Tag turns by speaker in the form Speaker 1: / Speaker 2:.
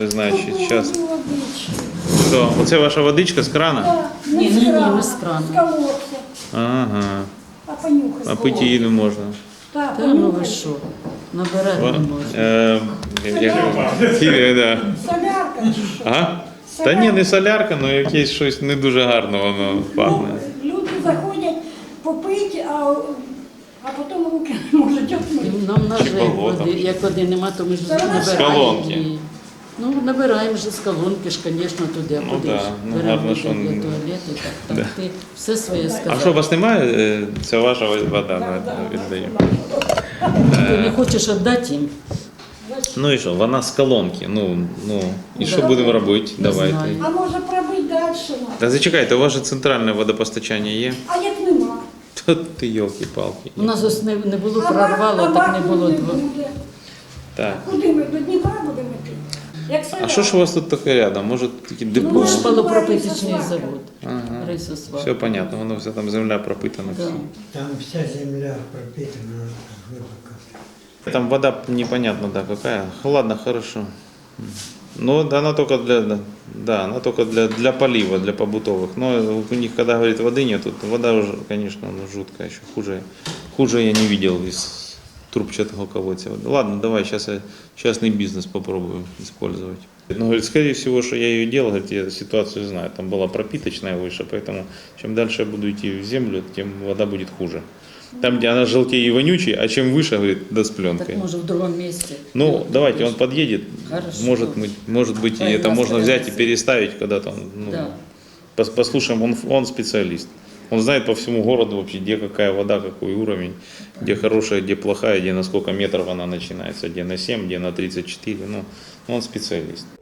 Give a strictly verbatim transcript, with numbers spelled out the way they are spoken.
Speaker 1: Значить, зараз. Що, оце ваша водичка з крана?
Speaker 2: Да,
Speaker 3: Ні,
Speaker 2: не
Speaker 3: ні,
Speaker 2: з
Speaker 3: ні,
Speaker 2: крана,
Speaker 3: не з крана.
Speaker 2: з колодця.
Speaker 1: Ага.
Speaker 2: А понюхай.
Speaker 1: А пити її не можна.
Speaker 2: Так,
Speaker 3: Та ну ви
Speaker 2: понюхай.
Speaker 3: що, набирати не можна.
Speaker 1: Е, як- да.
Speaker 2: Солярка чи що?
Speaker 1: Ага. Та ні, не солярка, але якесь щось не дуже гарно воно пахне.
Speaker 2: Ну, люди заходять попити, а, а потім руки не можуть отмити.
Speaker 3: Нам на
Speaker 1: Чи
Speaker 3: жаль,
Speaker 1: болото.
Speaker 3: води, як води нема, то ми ж
Speaker 2: Це
Speaker 3: набираємо.
Speaker 1: з колонки.
Speaker 3: її. Ну, набираємо вже з колонки ж, звісно, туди.
Speaker 1: Ну
Speaker 3: куди
Speaker 1: да,
Speaker 3: ж.
Speaker 1: ну,
Speaker 3: Беремо
Speaker 1: гарно,
Speaker 3: воду
Speaker 1: що-
Speaker 3: для туалету, так, так, ти все своє
Speaker 1: А
Speaker 3: сказав.
Speaker 1: що, у вас немає? е, Це ваша вода, да, віддаю.
Speaker 3: Ти не хочеш віддати їм?
Speaker 1: Ну і що, вона з колонки. Ну, ну, і що
Speaker 3: Да.
Speaker 1: будемо робити?
Speaker 3: Не
Speaker 1: Давайте.
Speaker 3: знаю.
Speaker 2: А може пробити далі?
Speaker 1: Та зачекайте, у вас же центральне водопостачання є?
Speaker 2: А як нема?
Speaker 1: Та ти йолки-палки.
Speaker 3: У нас ось не, не було,
Speaker 2: А
Speaker 3: прорвало,
Speaker 2: вак-
Speaker 3: так
Speaker 2: а
Speaker 3: не
Speaker 2: вакуум
Speaker 3: було.
Speaker 2: не
Speaker 3: дво-
Speaker 2: буде.
Speaker 1: Так.
Speaker 2: Куди ми? До Дніпра будемо йти? Як
Speaker 1: А що ж у вас тут таке рядом? Може такі депо?
Speaker 2: Ну,
Speaker 3: Шпалопропиточний завод.
Speaker 1: Ага.
Speaker 3: Рисосвар.
Speaker 1: Все понятно, воно все там земля пропитана.
Speaker 3: Да.
Speaker 4: Там вся земля пропитана глубоко.
Speaker 1: Там вода непонятно, да, какая. Ладно, хорошо. Ну, да, она только для, да, да, она только для, для полива, для побутовых. Но у них, когда говорит, воды нет, тут вода уже, конечно, ну, жуткая, еще хуже. Хуже я не видел из трубчатого колодца. Ладно, давай, сейчас я частный бизнес попробую использовать. Ну, говорит, скорее всего, что я ее делал, говорит, я ситуацию знаю. Там была пропиточная выше, поэтому чем дальше я буду идти в землю, тем вода будет хуже. Там, где она желтее и вонючей, а чем выше, говорит, да с пленкой.
Speaker 3: Так може в другому місці.
Speaker 1: Ну, давайте, он подъедет,
Speaker 3: Хорошо.
Speaker 1: может быть, может быть, и
Speaker 3: Давай,
Speaker 1: это можно
Speaker 3: нас
Speaker 1: взять и
Speaker 3: прямо.
Speaker 1: переставить когда-то. Ну,
Speaker 3: Да.
Speaker 1: пос- послушаем, он, он специалист. Он знает по всему городу вообще, где какая вода, какой уровень, где хорошая, где плохая, где на сколько метров она начинается, где на семь, где на тридцать четыре. Ну, он специалист.